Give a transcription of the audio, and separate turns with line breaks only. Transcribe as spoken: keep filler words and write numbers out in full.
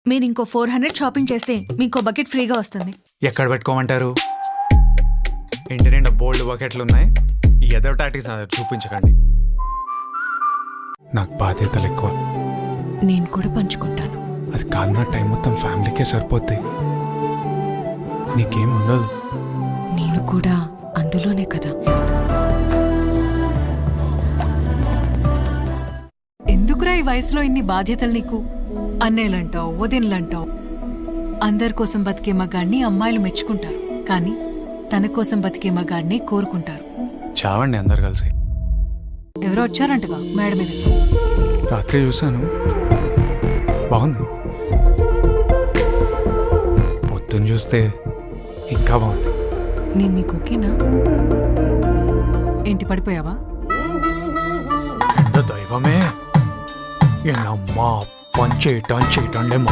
మీరు ఇంకో four hundred shopping చేస్తే మీకు బకెట్ ఫ్రీగా వస్తుంది.
ఎక్కడ పెట్టుకోమంటారు? ఇంటి నిండా బోల్డ్ బకెట్లు ఉన్నాయి. ఎదవ టాటిక్స్ నా దగ్గర చూపించకండి. నాకు బాధ్యతలు ఎక్కువ.
నేను కూడా పంచుకుంటాను.
అది కాదు, నా టైం మొత్తం ఫ్యామిలీకే సరిపోద్ది. నీకేం ఉండదు.
నేను కూడా అందులోనే కదా.
ఎందుకురా ఈ వయసులో ఇన్ని బాధ్యతలు నీకు? అన్నేలంటావు, వదినలంటావు. అందరి కోసం బతికే మగాడిని అమ్మాయిలు మెచ్చుకుంటారు, కానీ తన కోసం బతికే మగాడిని కోరుకుంటారు.
చావండి అందరు కలిసి.
ఎవరో వచ్చారంటగా మేడ మీద.
రాత్రి చూశాను, బాగుంది. పొద్దున్న చూస్తే ఇంకా బాగుంది.
నేను మీకు ఓకేనా? ఏంటి పడిపోయావా?
ఎంత దైవమే! ఎన్నమ్మా పంచేయటం చేయటం